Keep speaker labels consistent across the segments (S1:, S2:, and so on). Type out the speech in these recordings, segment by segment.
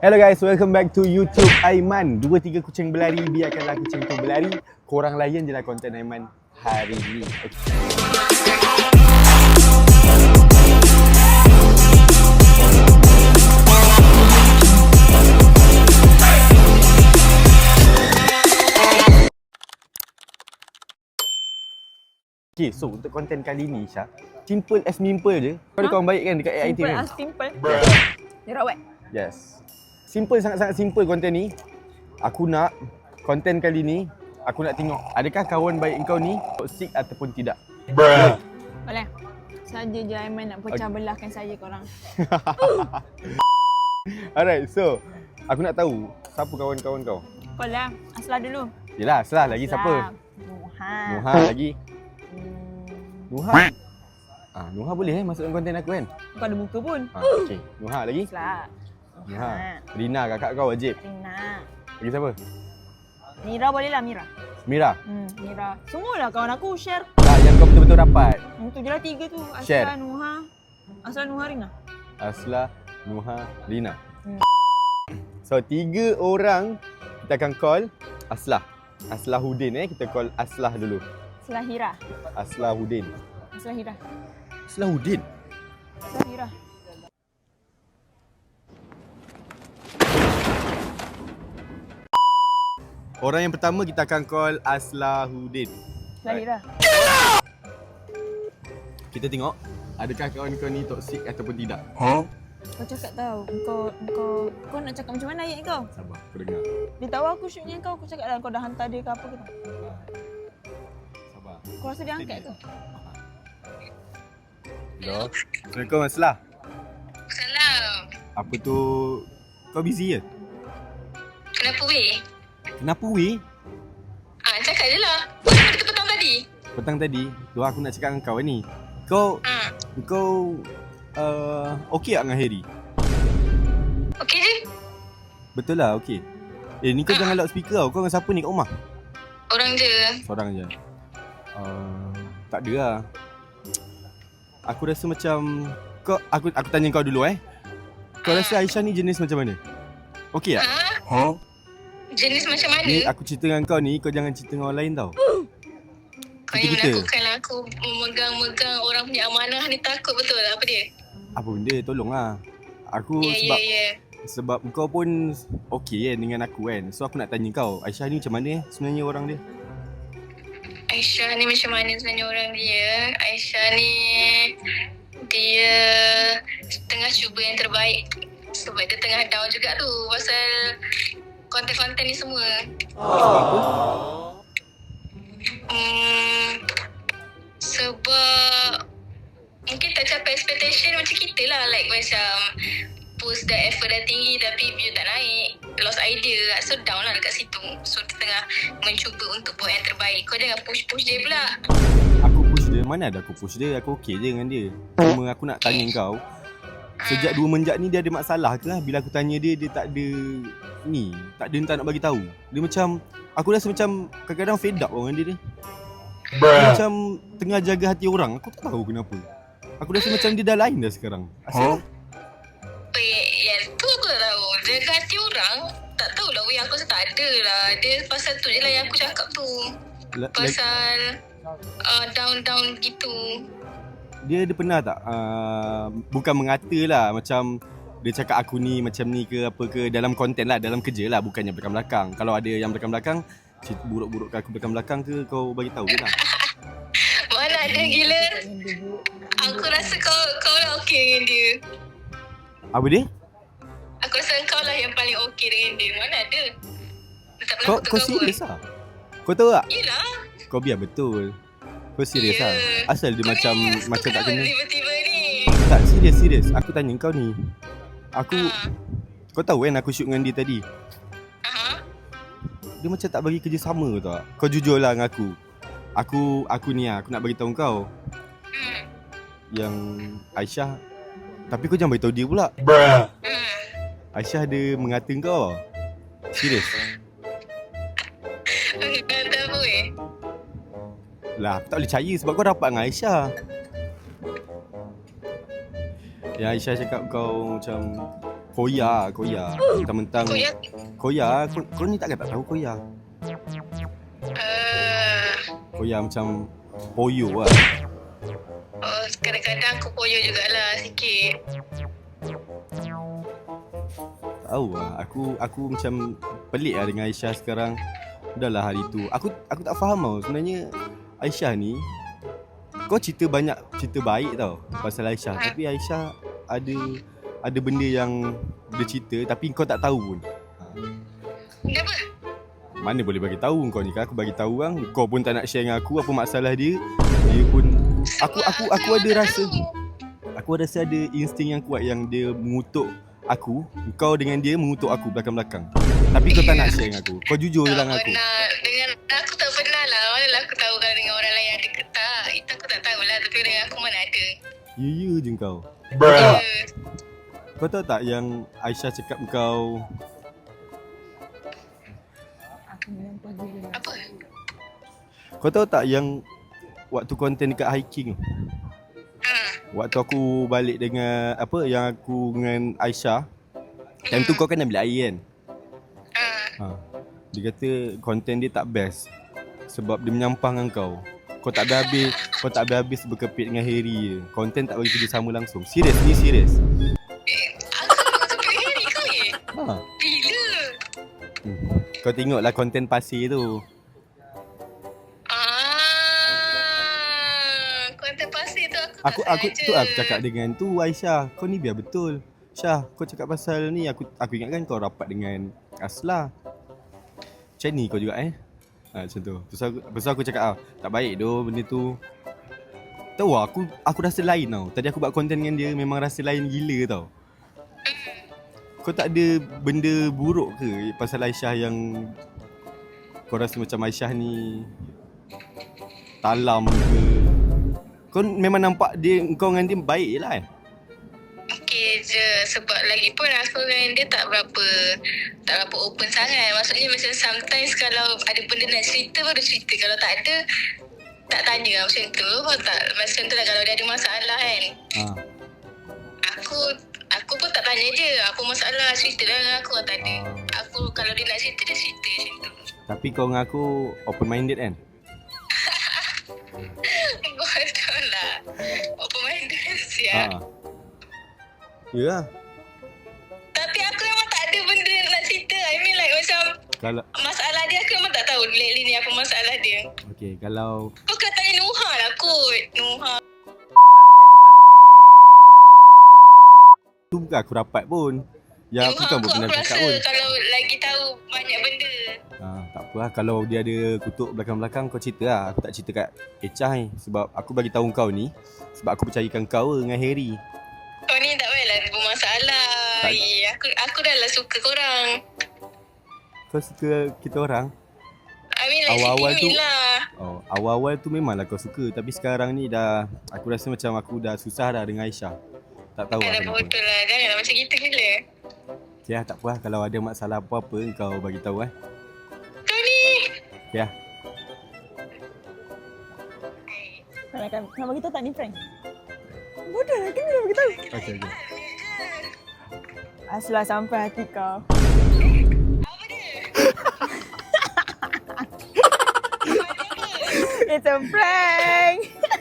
S1: Hello guys, welcome back to YouTube Aiman. 2-3 kucing berlari, biarkanlah kucing tu berlari. Korang layan je lah konten Aiman hari ni. Okay, so untuk konten kali ni Syah, simple as simple je. Kau ada kawan baik kan dekat AIT
S2: Simple
S1: kan?
S2: as simple. Dia rawat.
S1: Yes. Simple, sangat-sangat simple konten ni. Aku nak konten kali ni, aku nak tengok adakah kawan baik kau ni toxic ataupun tidak.
S2: Boleh. Saja je Aiman nak pecah belahkan saya korang.
S1: Alright, so aku nak tahu siapa kawan-kawan kau.
S2: Kau lah. Aslah dulu.
S1: Yelah, Aslah lagi siapa?
S2: Nuha.
S1: Nuha lagi. Nuha. Nuha boleh masukkan konten aku kan?
S2: Kau ada muka pun.
S1: Okey. Nuha lagi?
S2: Aslah.
S1: Nuha. Rina kakak kau wajib.
S2: Rina.
S1: Lagi siapa?
S2: Mira boleh lah Mira.
S1: Mira.
S2: Mira. Semualah kawan aku share.
S1: Tak, yang kau betul-betul dapat.
S2: Itu je lah 3 tu.
S1: Share.
S2: Aslah, Nuha. Aslah, Nuha, Rina.
S1: Aslah, Nuha, Rina. So 3 orang kita akan call Aslah. Aslahuddin kita call Aslah dulu.
S2: Aslah Hira.
S1: Aslahuddin.
S2: Aslah Hira.
S1: Aslahuddin.
S2: Aslah Hira.
S1: Orang yang pertama kita akan call Aslahuddin.
S2: Aslah Hira.
S1: Kita tengok adakah kawan kau ni toksik ataupun tidak.
S2: Kau cakap tahu. Kau nak cakap macam mana ayat kau?
S1: Sabar, aku dengar.
S2: Dia tahu aku shootnya kau. Aku cakap dah kau dah hantar dia ke apa ke tak?
S1: Sabar.
S2: Kau rasa dia angkat ke?
S1: Hello. Assalamualaikum Aslah.
S3: Salam.
S1: Apa tu? Kau busy ke?
S3: Kenapa weh?
S1: Kenapa weh?
S3: Cakap je lah. Kenapa kita petang tadi?
S1: Petang tadi, tu aku nak cakap dengan kau ni. Kau okey tak dengan Harry?
S3: Okey je?
S1: Betul lah, okey. Ni kau jangan loudspeaker tau. Kau dengan siapa ni kat rumah?
S3: Orang je.
S1: Seorang je. Tak ada lah. Aku rasa macam aku tanya kau dulu Kau rasa Aisyah ni jenis macam mana? Okey tak?
S3: Jenis macam mana?
S1: Ni aku cerita dengan kau ni, kau jangan cerita dengan orang lain tau.
S3: Kau yang melakukanlah aku memegang orang punya amanah ni takut betul apa dia?
S1: Apa benda, tolonglah. Aku sebab kau pun okey kan dengan aku kan. So aku nak tanya kau, Aisyah ni macam mana sebenarnya orang dia?
S3: Aisyah ni macam mana sebenarnya orang dia? Aisyah ni dia tengah cuba yang terbaik. Sebab dia tengah down juga tu pasal konten-konten ni semua.
S1: Sebab apa?
S3: Sebab mungkin tak capai expectation macam kita lah. Like macam post dah effort dah tinggi tapi view tak naik. Lost idea. So down lah dekat situ. So dia tengah mencuba untuk buat yang terbaik. Kau jangan push-push dia pula.
S1: Aku push dia? Mana ada aku push dia? Aku okey je dengan dia. Cuma aku nak tanya kau, sejak 2 menjak ni dia ada masalah ke? Bila aku tanya dia, dia tak ada ni. Tak nak bagi tahu. Dia macam, aku rasa macam kadang-kadang fed up dengan dia. Dia macam tengah jaga hati orang. Aku tak tahu kenapa. Aku rasa macam dia dah lain dah sekarang. Asal?
S3: Yang tu aku tak tahu. Jaga hati orang, tak tahulah weh, aku rasa tak ada lah. Dia pasal tu je lah yang aku cakap tu. Pasal down-down gitu.
S1: Dia pernah tak bukan mengata lah, macam dia cakap aku ni macam ni ke apa ke dalam konten lah, dalam kerja lah, bukannya belakang-belakang. Kalau ada yang belakang-belakang, cerita buruk-buruk ke aku belakang-belakang ke, kau bagi tahu je lah.
S3: Mana ada gila. Aku rasa kau lah okey dengan dia.
S1: Apa dia?
S3: Aku rasa kau lah yang paling okey dengan dia. Mana ada. Dia tak pernah
S1: Kau serius lah? Kau tahu tak?
S3: Yelah.
S1: Kau biar betul. Kau serius lah? Asal dia
S3: Kau
S1: macam
S3: kau
S1: tak kena.
S3: tiba-tiba ni.
S1: Tak, serius. Aku tanya kau ni. Kau tahu kan aku shoot dengan dia tadi? Dia macam tak bagi kerjasama tau. Kau jujur lah dengan aku. Aku ni lah, aku nak bagi tahu kau. Yang Aisyah, tapi kau jangan bagi tahu dia pula. Aisyah ada mengata kau. Serius.
S3: Kata apa weh?
S1: Lah, aku tak boleh percaya sebab kau rapat dengan Aisyah. Ya, Aisyah cakap kau macam Koya. Mentang-mentang
S3: Koyak.
S1: Koya. Kau ni takkan tak tahu Koya. Koya macam poyo lah.
S3: Kadang-kadang aku koyo jugalah sikit.
S1: Tahu lah. Aku macam pelik lah dengan Aisyah sekarang. Udahlah hari tu. Aku tak faham tau. Sebenarnya Aisyah ni, kau cerita banyak cerita baik tau pasal Aisyah. Tapi Aisyah ada benda yang dia cerita tapi kau tak tahu pun.
S3: Kenapa?
S1: Mana boleh bagi tahu kau ni kan? Aku bagi tahu kan. Kau pun tak nak share dengan aku apa masalah dia. Dia pun aku ada rasa. Aku rasa ada insting yang kuat yang dia mengutuk aku. Kau dengan dia mengutuk aku belakang-belakang. Tapi kau tak nak share dengan aku. Kau jujur je lah dengan aku.
S3: Dengan aku tak pernah lah. Manalah aku tahu kalau dengan orang lain ada ke tak. Itu aku tak tahulah. Tapi dengan aku mana ada.
S1: Ya je kau. Kau tahu tak yang Aisyah cakap kau
S3: Apa?
S1: Kau tahu tak yang waktu konten dekat hiking tu? Waktu aku balik dengan apa yang aku dengan Aisyah. Time tu kau kan ambil air kan? Dia kata konten dia tak best sebab dia menyampang dengan kau. Kau tak habis berkepit dengan Harry je. Konten tak bagi kerja sama langsung. Serius ni serius.
S3: Aku sampai hari kau ye? Bila?
S1: Kau tengoklah konten pasir tu.
S3: Konten pasir tu
S1: Aku cakap dengan tu Aisyah, kau ni biar betul. Syah, kau cakap pasal ni aku ingatkan kau rapat dengan Aslah. Macam ni kau juga macam tu. Terus aku cakap tak baik doh benda tu. Tahu aku rasa lain tau. Tadi aku buat konten dengan dia memang rasa lain gila tau. Kau tak ada benda buruk ke pasal Aisyah yang kau rasa macam Aisyah ni talam ke? Kau memang nampak kau dengan dia baik je lah
S3: Okey je. Sebab lagi pun aku dengan dia tak berapa open sangat. Maksudnya macam sometimes kalau ada benda nak cerita baru cerita. Kalau tak ada tak tanya lah macam tu. Kau tak macam tu lah kalau dia ada masalah kan. Aku pun tak tanya je apa masalah, cerita lah dengan aku. Tak ada. Aku kalau dia nak cerita dia cerita macam tu.
S1: Tapi kau dengan aku open minded kan?
S3: Betul lah. Open minded siap.
S1: Ya.
S3: Tapi aku memang tak ada benda nak cerita. I mean like macam
S1: Kalau
S3: masalah dia aku memang tak tahu lately ni apa masalah dia.
S1: okey, kalau
S3: Kau kena tanya Nuha lah kot. Nuha.
S1: tu bukan aku rapat pun. Ya aku kan pernah
S3: aku
S1: cakap
S3: rasa
S1: pun.
S3: kalau lagi tahu banyak benda.
S1: Tak apa lah. Kalau dia ada kutuk belakang-belakang kau cerita lah. Aku tak cerita kat Echah ni. Sebab aku bagi tahu kau ni sebab aku percayakan kau dengan Harry.
S3: Kau ni tak payahlah bermasalah. Aku dah lah suka korang.
S1: Kau suka kita orang?
S3: I mean like
S1: Awal-awal tu
S3: lah.
S1: Awal-awal tu memanglah kau suka. Tapi sekarang ni dah aku rasa macam aku dah susah dah dengan Aisyah. Tak tahu lah
S3: Dah
S1: kenapa.
S3: bodoh lah. Janganlah macam gitu gila.
S1: Okay lah, tak apa lah. Kalau ada masalah apa-apa kau bagi tahu
S3: Kau ni.
S1: Okay lah.
S2: Nak bagi tahu tak ni prank? Bodoh lah, kena nak bagi tahu.
S1: Okay.
S2: Aslah sampai hati kau.
S3: Apa dia?
S2: It's a prank.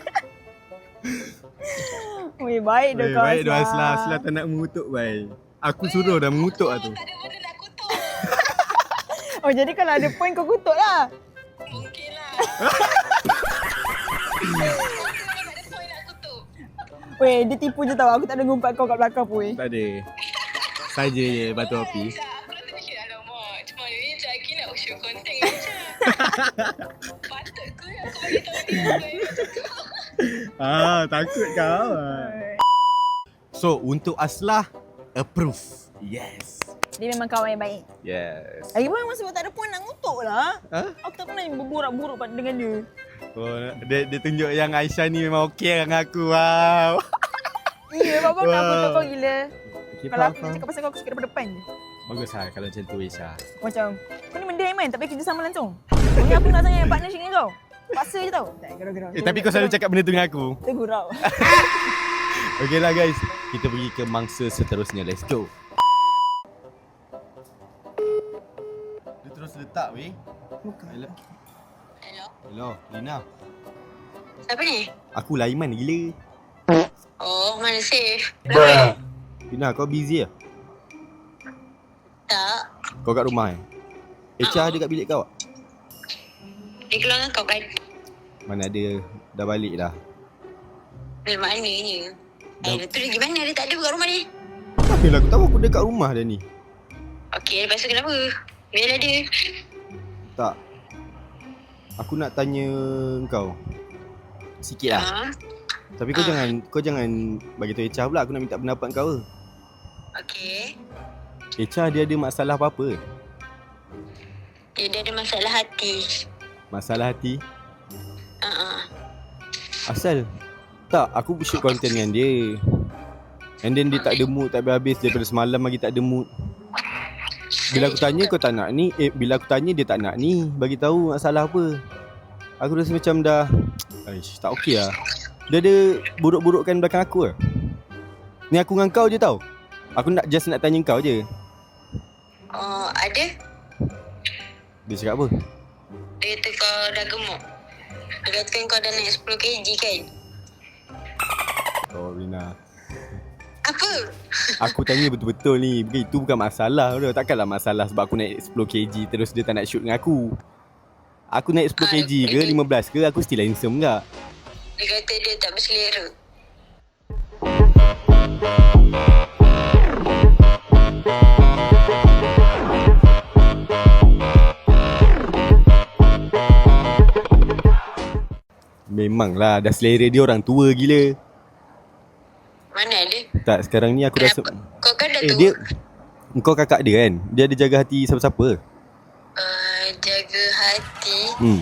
S2: Weh, baik dah kau.
S1: Baik dah Aslah tak nak mengutuk baik. Aku suruh dah mengutuk lah tu.
S3: Tak ada benda nak kutuk.
S2: Oh, jadi kalau ada point kau kutuk lah.
S3: Mungkin lah. Tak ada point nak kutuk.
S2: Weh, dia tipu je tau. Aku tak ada ngumpat kau kat belakang pun weh.
S1: Tak ada. Saja je batu api.
S3: Aku rasa macam alamak. Cuma ni macam lagi nak show konten macam. Patut aku bagi tahu dia.
S1: Takut kau. So, untuk Aslah approve. Yes.
S2: Dia memang kawan yang baik.
S1: Yes.
S2: Lagi pun memang sebab tak ada point nak ngutuk lah. Aku tak pernah berburuk-buruk dengan dia.
S1: Oh, dia tunjuk yang Aisyah ni memang okey dengan aku. Wow.
S2: Iya, bapak nak kutuk kau gila.
S1: Okay,
S2: Kalau aku cakap pasal kau, aku suka daripada depan je.
S1: Bagus lah kalau macam tu Aisyah.
S2: Macam, kau ni mendiam kan? Tak payah kerja sama langsung. Kau ni aku nak sangat partnership dengan kau. Paksa je tau. Tak, gerau-gerau.
S1: Tapi kau selalu cakap benda tu dengan aku.
S2: Tergurau.
S1: Okay lah guys. Kita pergi ke mangsa seterusnya. Let's go. terus letak weh. Hello.
S3: Hello.
S1: Hello, Lina.
S3: Siapa ni?
S1: Aku Laiman gila.
S3: Oh, mana safe?
S1: Lina, kau busy lah?
S3: Tak.
S1: Kau kat rumah Echa ada kat bilik kau?
S3: Dia keluar dengan kau kan?
S1: Mana ada, dah balik dah.
S3: Dari mananya? Dia tu lagi mana? Dia tak ada kat rumah ni.
S1: Mana aku tahu, aku dekat rumah dah ni.
S3: Okey, lepas tu kenapa? Biarlah dia.
S1: Tak. Aku nak tanya kau sikit lah.
S3: Ha?
S1: Tapi kau jangan bagi tahu Echa pula, aku nak minta pendapat kau.
S3: Okey.
S1: Echa dia ada masalah apa-apa?
S3: Dia ada masalah hati.
S1: Masalah hati?
S3: Asal?
S1: Tak, aku shoot konten dengan dia. And then dia tak ada mood, tak habis-habis. Daripada semalam lagi tak ada mood. Bila aku tanya kau tak nak ni, bila aku tanya dia tak nak ni, bagi tahu masalah apa. Aku rasa macam dah tak okey lah. Dia ada buruk-burukkan belakang aku lah. Ni aku dengan kau je tau. Aku nak tanya kau je.
S3: Oh, ada?
S1: Dia cakap apa?
S3: Dia kata kau dah gemuk. Dia katakan kau dah naik 10 kg kan?
S1: Oh Rina,
S3: Apa?
S1: aku tanya betul-betul ni. Itu bukan masalah dah. Takkanlah masalah sebab aku naik 10 kg terus dia tak nak shoot dengan aku. Aku naik 10 kg ke 15 ke, aku still handsome tak?
S3: Dia kata dia tak berselera.
S1: Memanglah, dah selera dia orang tua gila.
S3: Mana ada?
S1: Tak, sekarang ni aku rasa
S3: Kau kan dah tua.
S1: dia, kau kakak dia kan? Dia ada jaga hati siapa-siapa?
S3: Jaga hati.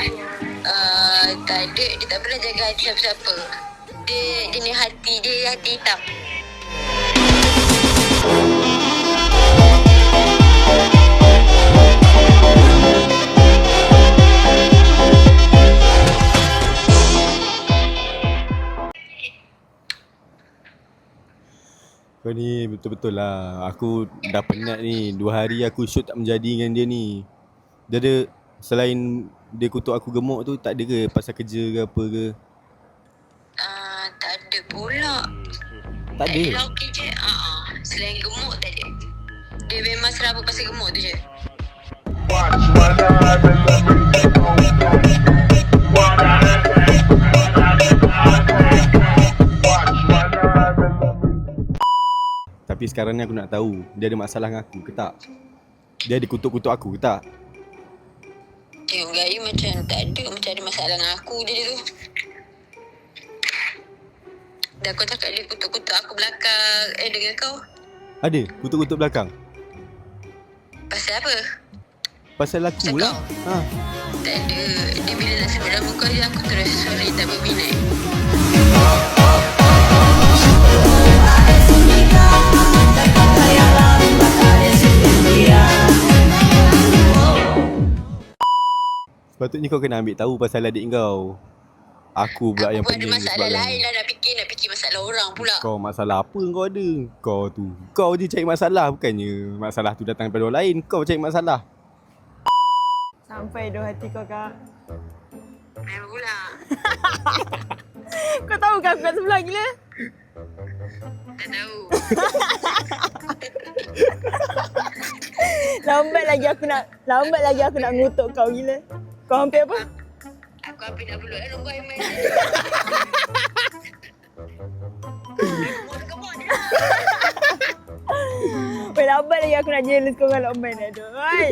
S3: Tak ada. Dia tak pernah jaga hati siapa-siapa. Dia ni hati hitam.
S1: Kau ni betul-betul lah. Aku dah penat ni. 2 hari aku shoot tak menjadi dengan dia ni. Dia ada, selain dia kutuk aku gemuk tu, tak ada ke pasal kerja ke apa ke?
S3: Tak ada pula.
S1: Tak ada?
S3: Dia okey je. Selain gemuk tak ada. Dia memang serabut pasal gemuk tu je.
S1: Tapi sekarang ni aku nak tahu, dia ada masalah dengan aku ke tak? Dia ada kutuk-kutuk aku ke tak?
S3: Tengok gaya macam tak ada. Macam ada masalah dengan aku je dia tu. Dah kau cakap dia kutuk-kutuk aku belakang. Dengan kau.
S1: Ada? Kutuk-kutuk belakang?
S3: Pasal apa?
S1: Pasal aku
S3: Pasal
S1: lah.
S3: kau? Tak ada. Dia bila nak sebut nama kau je aku terus sorry tak berminat.
S1: Sepatutnya kau kena ambil tahu pasal adik kau. Aku pula yang
S3: Aku ada
S1: pening
S3: masalah lain lah nak fikir masalah orang pula.
S1: Kau masalah apa kau ada? Kau je cari masalah, bukannya masalah tu datang daripada orang lain. Kau cari masalah.
S2: Sampai doh hati kau, Kak.
S3: Memang pula.
S2: Kau tahu kan aku kat sebelah gila?
S3: Tak tahu.
S2: Lambat lagi aku nak ngutuk kau gila. Kau hampir apa?
S3: Aku hampir nak peluk dah nombor Aiman. Gemuk dia lah.
S2: Weh, lambat lagi aku nak jealous kau dengan Lokman dah tu. Oi.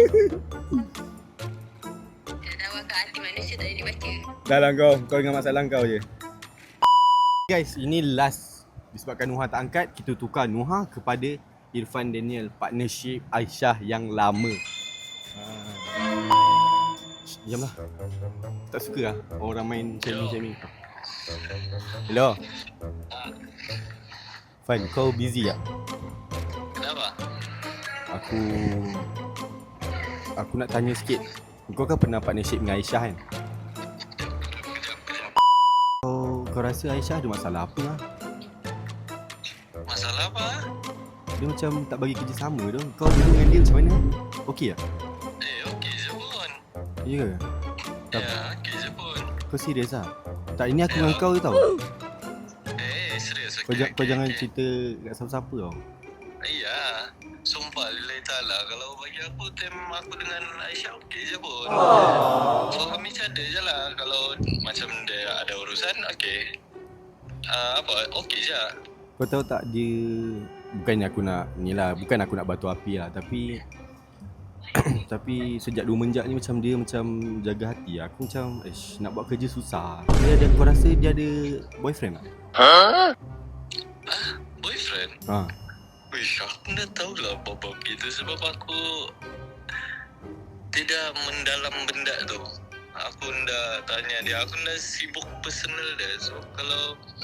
S3: Tak tahu kat hati manusia tak boleh dibaca.
S1: Dah lah kau dengan masalah kau je. Guys, ini last. Disebabkan Nuha tak angkat, kita tukar Nuha kepada Irfan Daniel, partnership Aisyah yang lama. Diamlah. Tak suka lah orang main macam ni. Hello. Fan, kau busy tak?
S4: Kenapa?
S1: Aku nak tanya sikit. Kau kan pernah partnership dengan Aisyah kan? Kau rasa Aisyah ada masalah apa lah?
S4: Masalah apa?
S1: Dia macam tak bagi kerjasama tu. Kau dulu dengan dia macam mana? Okey tak?
S4: Okey je pun.
S1: Ya ke?
S4: Ya, okey je pun.
S1: Kau serius lah? Tak, ini aku dengan kau je tau.
S4: Serius,
S1: Kau,
S4: okey.
S1: kau jangan cerita kat siapa-siapa tau.
S4: Iya, sumpah lillahi ta'ala. Kalau bagi aku, time aku dengan Aisyah okey je pun. So, kami ada je lah. Kalau macam dia ada urusan, okey. Okey je.
S1: Kau tahu tak, dia bukannya aku nak ni lah, bukan aku nak batu api lah, tapi tapi sejak 2 menjak ni macam dia macam jaga hati. Aku macam nak buat kerja susah. Kau rasa dia ada boyfriend tak?
S4: Boyfriend?
S1: Ha.
S4: Wish, aku dah tahulah bab-bab gitu sebab aku tidak mendalam benda tu. Aku dah tanya dia, aku dah sibuk personal dia. So, kalau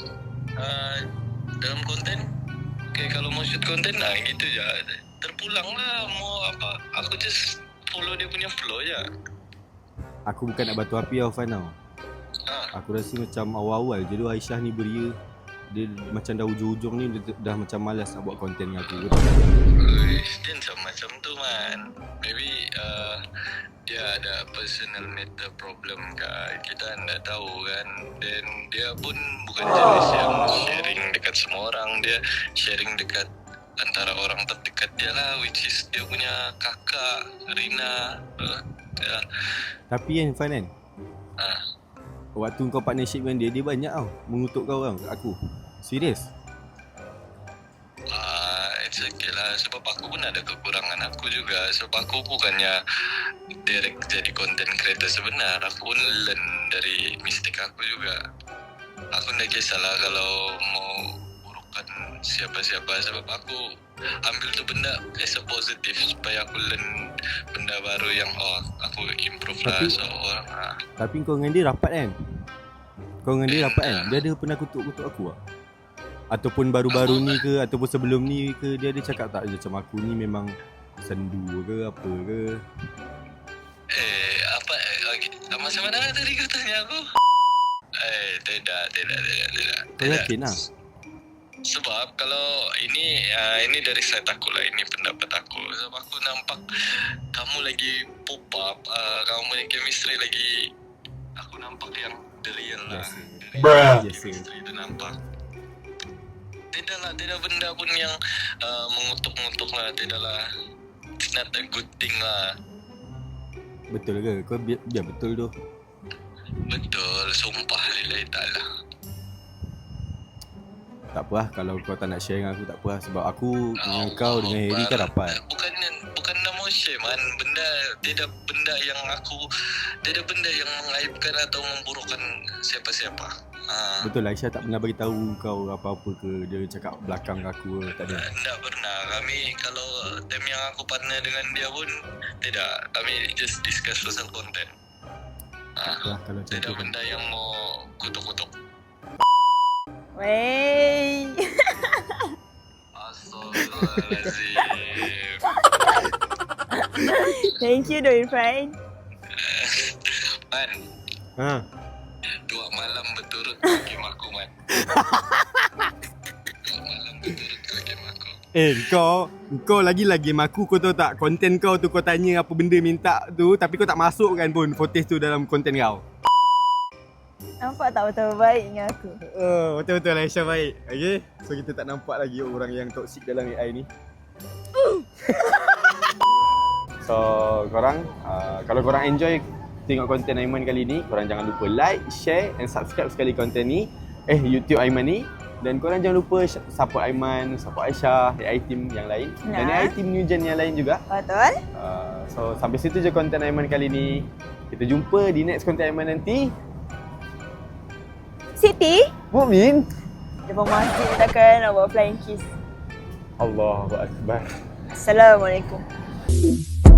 S4: dalam konten, kalau mau shoot konten, gitu je. Terpulang lah, mau apa. Aku just follow dia punya flow je.
S1: Aku bukan nak batu api tau, Fan tau. Aku rasa macam awal-awal je tu Aisyah ni beria. Dia macam dah ujung-ujung ni dia dah macam malas nak buat konten dengan aku.
S4: Dia macam tu man. Maybe dia ada personal matter problem kan. Kita tak tahu kan. Dan dia pun bukan jenis yang sharing dekat semua orang. Dia sharing dekat antara orang terdekat dia lah, which is dia punya kakak Rina. Ya.
S1: Tapi kan Fan kan, waktu kau partnership dengan dia, dia banyak tau mengutuk kau kan kat aku. Serius?
S4: It's okay lah. Sebab aku pun ada kekurangan aku juga. Sebab aku bukannya direct jadi content creator sebenar. Aku pun learn dari mistake aku juga. Aku tak kisahlah kalau mau burukan siapa-siapa. Sebab aku ambil tu benda as a positive supaya aku learn benda baru yang aku improve lah.
S1: Tapi kau dengan dia rapat kan? Kau dengan dia rapat kan? Dia ada pernah kutuk-kutuk aku tak? Ataupun baru-baru ni ke, ataupun sebelum ni ke, dia ada cakap tak macam aku ni memang sendu ke apa ke?
S4: Macam mana tadi kau tanya aku? Tidak.
S1: Kau yakin lah?
S4: Sebab kalau ini dari side aku lah, ini pendapat aku. Sebab aku nampak kamu lagi pop up, kamu punya chemistry lagi, aku nampak yang the real lah. Chemistry itu nampak. Tidak benda pun yang mengutuk-ngutuk lah, tidaklah. It's not a good thing lah.
S1: Betul ke? Kau biar betul tu.
S4: Betul, sumpah lillahi ta'ala.
S1: Tak apa lah, kalau kau tak nak share dengan aku tak apa lah. Sebab aku dengan kau dengan Harry kan rapat.
S4: Bukan nak mau share man. Tidak benda yang mengaibkan atau memburukkan siapa-siapa.
S1: Betul lah, Aisyah tak pernah beritahu kau apa-apa ke? Dia cakap belakang aku ke? Tak ada?
S4: Tak pernah. Kami kalau time yang aku partner dengan dia pun tidak. Kami just discuss pasal konten.
S1: Kalau macam
S4: Tidak
S1: tu
S4: benda yang mau kutuk-kutuk.
S2: Wey.
S4: Astagfirullahaladzim.
S2: Thank you Doi Irfan.
S4: Man,
S1: Ha?
S4: 2 malam berturut kau game aku man. 2 malam berturut kau game aku.
S1: Kau lagi-lagi game aku, kau tahu tak? Konten kau tu kau tanya apa benda minta tu, tapi kau tak masukkan pun footage tu dalam konten kau.
S2: Nampak tak betapa baik dengan aku?
S1: Betul-betul Aisyah baik. Okay? So kita tak nampak lagi orang yang toksik dalam AI ni. So korang, kalau korang enjoy tengok konten Aiman kali ni, korang jangan lupa like, share and subscribe sekali konten ni, YouTube Aiman ni. Dan korang jangan lupa support Aiman, support Aisyah, AI team yang lain dan AI team New Gen yang lain juga.
S2: Betul.
S1: So sampai situ je konten Aiman kali ni. Kita jumpa di next konten Aiman nanti.
S2: Siti,
S1: Mukmin.
S2: depan masjid takkan nak buat flying kiss.
S1: Allahu Akbar.
S2: Assalamualaikum.